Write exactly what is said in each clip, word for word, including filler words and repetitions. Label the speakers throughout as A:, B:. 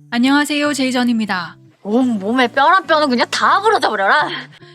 A: 안녕하세요, 제이전입니다.
B: 온 몸에 뼈랑 뼈는 그냥 다 부러져 버려라.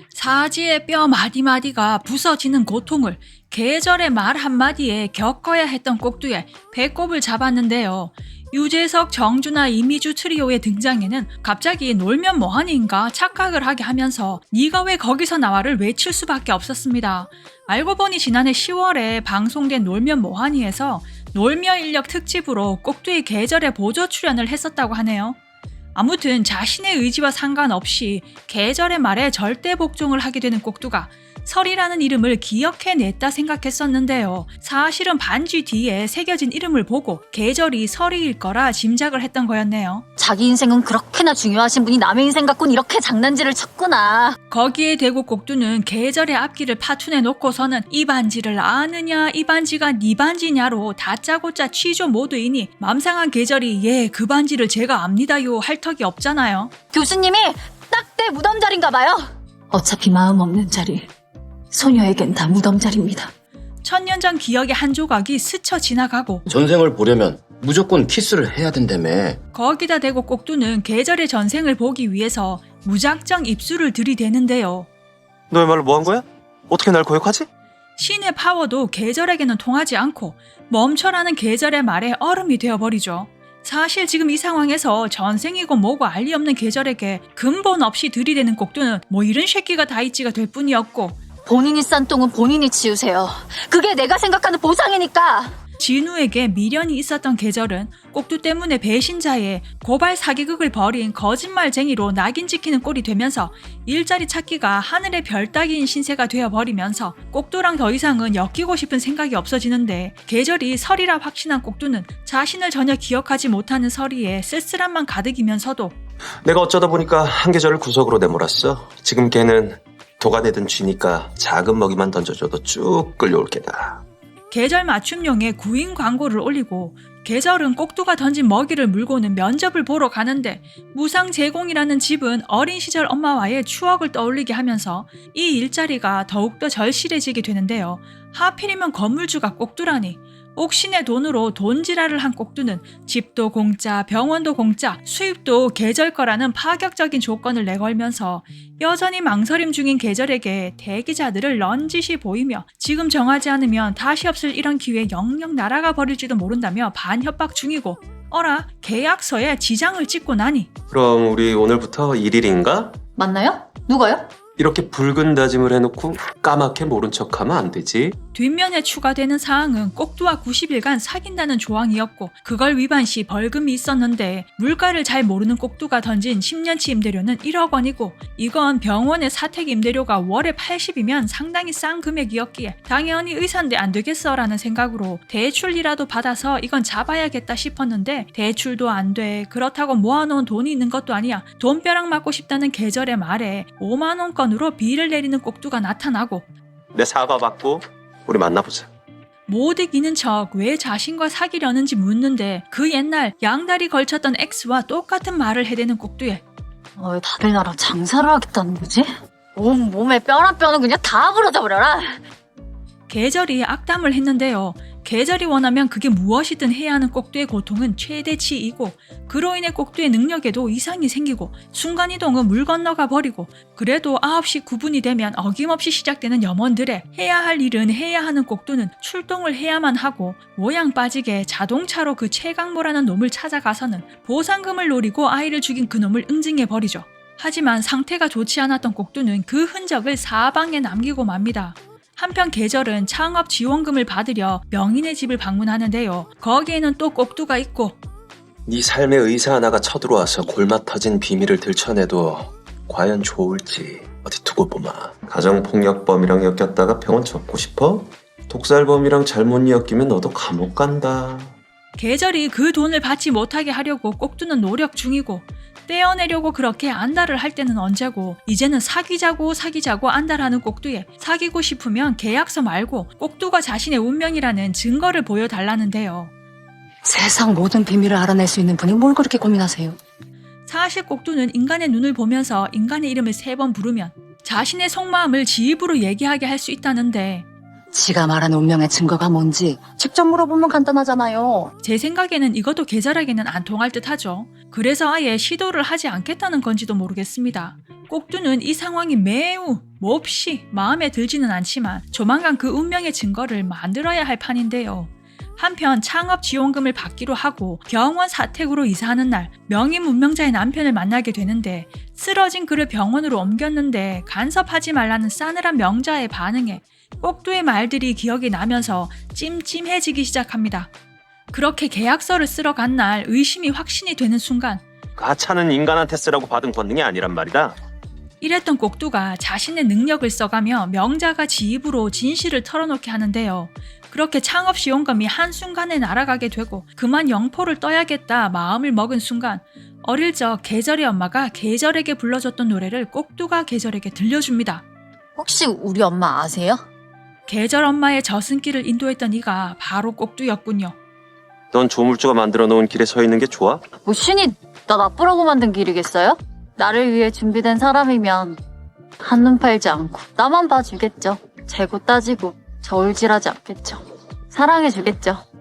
A: 사지의 뼈 마디마디가 부서지는 고통을 계절의 말 한마디에 겪어야 했던 꼭두에 배꼽을 잡았는데요. 유재석, 정준하, 이미주 트리오의 등장에는 갑자기 놀면 뭐하니인가 착각을 하게 하면서 네가 왜 거기서 나와를 외칠 수밖에 없었습니다. 알고 보니 지난해 시월에 방송된 놀면 뭐하니에서 놀며 인력 특집으로 꼭두의 계절에 보조 출연을 했었다고 하네요. 아무튼 자신의 의지와 상관없이 계절의 말에 절대 복종을 하게 되는 꼭두가 설이라는 이름을 기억해냈다 생각했었는데요. 사실은 반지 뒤에 새겨진 이름을 보고 계절이 설이일 거라 짐작을 했던 거였네요.
B: 자기 인생은 그렇게나 중요하신 분이 남의 인생 갖고는 이렇게 장난질을 쳤구나.
A: 거기에 대고 꼭두는 계절의 앞길을 파투내 놓고서는 이 반지를 아느냐 이 반지가 네 반지냐로 다짜고짜 취조 모드이니 맘상한 계절이 예 그 반지를 제가 압니다요 할 턱이 없잖아요.
B: 교수님이 딱 내 무덤 자리인가 봐요. 어차피 마음 없는 자리. 소녀에겐 다 무덤 자리입니다.
A: 천년 전 기억의 한 조각이 스쳐 지나가고
C: 전생을 보려면 무조건 키스를 해야 된다며.
A: 거기다 대고 꼭두는 계절의 전생을 보기 위해서 무작정 입술을 들이대는데요.
D: 너야말로 뭐 한 거야? 어떻게 날 고역하지?
A: 신의 파워도 계절에게는 통하지 않고 멈춰라는 계절의 말에 얼음이 되어버리죠. 사실 지금 이 상황에서 전생이고 뭐고 알리 없는 계절에게 근본 없이 들이대는 꼭두는 뭐 이런 새끼가 다 있지가 될 뿐이었고
B: 본인이 싼 똥은 본인이 치우세요. 그게 내가 생각하는 보상이니까.
A: 진우에게 미련이 있었던 계절은 꼭두 때문에 배신자의 고발 사기극을 벌인 거짓말쟁이로 낙인 찍히는 꼴이 되면서 일자리 찾기가 하늘의 별 따기인 신세가 되어버리면서 꼭두랑 더 이상은 엮이고 싶은 생각이 없어지는데 계절이 설이라 확신한 꼭두는 자신을 전혀 기억하지 못하는 설이에 쓸쓸함만 가득이면서도
D: 내가 어쩌다 보니까 한 계절을 구석으로 내몰았어. 지금 걔는 도가내든 쥐니까 작은 먹이만 던져줘도 쭉 끌려올 게다.
A: 계절 맞춤용의 구인 광고를 올리고 계절은 꼭두가 던진 먹이를 물고는 면접을 보러 가는데 무상 제공이라는 집은 어린 시절 엄마와의 추억을 떠올리게 하면서 이 일자리가 더욱더 절실해지게 되는데요. 하필이면 건물주가 꼭두라니 옥신의 돈으로 돈지랄을 한 꼭두는 집도 공짜, 병원도 공짜, 수입도 계절 거라는 파격적인 조건을 내걸면서 여전히 망설임 중인 계절에게 대기자들을 런짓이 보이며 지금 정하지 않으면 다시 없을 이런 기회에 영영 날아가 버릴지도 모른다며 반협박 중이고 어라 계약서에 지장을 찍고 나니
D: 그럼 우리 오늘부터 일 일인가?
B: 맞나요? 누가요?
D: 이렇게 붉은 다짐을 해놓고 까맣게 모른 척하면 안 되지.
A: 뒷면에 추가되는 사항은 꼭두와 구십 일간 사귄다는 조항이었고 그걸 위반 시 벌금이 있었는데 물가를 잘 모르는 꼭두가 던진 십 년치 임대료는 일억 원이고 이건 병원의 사택 임대료가 월에 팔십이면 상당히 싼 금액이었기에 당연히 의사인데 안 되겠어 라는 생각으로 대출이라도 받아서 이건 잡아야겠다 싶었는데 대출도 안 돼. 그렇다고 모아놓은 돈이 있는 것도 아니야. 돈벼락 맞고 싶다는 계절의 말에 오만 원권으로 비를 내리는 꼭두가 나타나고
D: 내 사과 받고 우리 만나보자.
A: 못 이기는 척 왜 자신과 사귀려는지 묻는데 그 옛날 양다리 걸쳤던 X와 똑같은 말을 해대는 꼭두에
B: 어, 다들 나랑 장사를 하겠다는 거지? 온 몸에 뼈랑 뼈는 그냥 다 부러져 버려라.
A: 계절이 악담을 했는데요. 계절이 원하면 그게 무엇이든 해야 하는 꼭두의 고통은 최대치이고 그로 인해 꼭두의 능력에도 이상이 생기고 순간이동은 물 건너가 버리고 그래도 아홉 시 구 분이 되면 어김없이 시작되는 염원들의 해야 할 일은 해야 하는 꼭두는 출동을 해야만 하고 모양 빠지게 자동차로 그 최강모라는 놈을 찾아가서는 보상금을 노리고 아이를 죽인 그 놈을 응징해버리죠. 하지만 상태가 좋지 않았던 꼭두는 그 흔적을 사방에 남기고 맙니다. 한편 계절은 창업 지원금을 받으려 명인의 집을 방문하는데요. 거기에는 또 꼭두가 있고
D: 네 삶의 의사 하나가 쳐들어와서 골마 터진 비밀을 들춰내도 과연 좋을지 어디 두고 보마. 가정폭력범이랑 엮였다가 병원 접고 싶어? 독살범이랑 잘못 엮이면 너도 감옥 간다.
A: 계절이 그 돈을 받지 못하게 하려고 꼭두는 노력 중이고 떼어내려고 그렇게 안달을 할 때는 언제고 이제는 사귀자고 사귀자고 안달하는 꼭두에 사귀고 싶으면 계약서 말고 꼭두가 자신의 운명이라는 증거를 보여달라는데요.
B: 세상 모든 비밀을 알아낼 수 있는 분이 뭘 그렇게 고민하세요?
A: 사실 꼭두는 인간의 눈을 보면서 인간의 이름을 세 번 부르면 자신의 속마음을 지 입으로 얘기하게 할 수 있다는데
B: 지가 말한 운명의 증거가 뭔지 직접 물어보면 간단하잖아요.
A: 제 생각에는 이것도 계절에게는 안 통할 듯하죠. 그래서 아예 시도를 하지 않겠다는 건지도 모르겠습니다. 꼭두는 이 상황이 매우 몹시 마음에 들지는 않지만 조만간 그 운명의 증거를 만들어야 할 판인데요. 한편 창업 지원금을 받기로 하고 병원 사택으로 이사하는 날 명의 문명자의 남편을 만나게 되는데 쓰러진 그를 병원으로 옮겼는데 간섭하지 말라는 싸늘한 명자의 반응에 꼭두의 말들이 기억이 나면서 찜찜해지기 시작합니다. 그렇게 계약서를 쓰러 간 날 의심이 확신이 되는 순간
D: 가차는 인간한테 쓰라고 받은 권능이 아니란 말이다.
A: 이랬던 꼭두가 자신의 능력을 써가며 명자가 지 입으로 진실을 털어놓게 하는데요. 그렇게 창업 지원금이 한순간에 날아가게 되고 그만 영포를 떠야겠다 마음을 먹은 순간 어릴 적 계절의 엄마가 계절에게 불러줬던 노래를 꼭두가 계절에게 들려줍니다.
B: 혹시 우리 엄마 아세요?
A: 계절 엄마의 저승길을 인도했던 이가 바로 꼭두였군요.
D: 넌 조물주가 만들어 놓은 길에 서 있는 게 좋아?
B: 뭐 신이 나 나쁘라고 만든 길이겠어요? 나를 위해 준비된 사람이면 한눈 팔지 않고 나만 봐주겠죠. 재고 따지고 저울질하지 않겠죠. 사랑해주겠죠.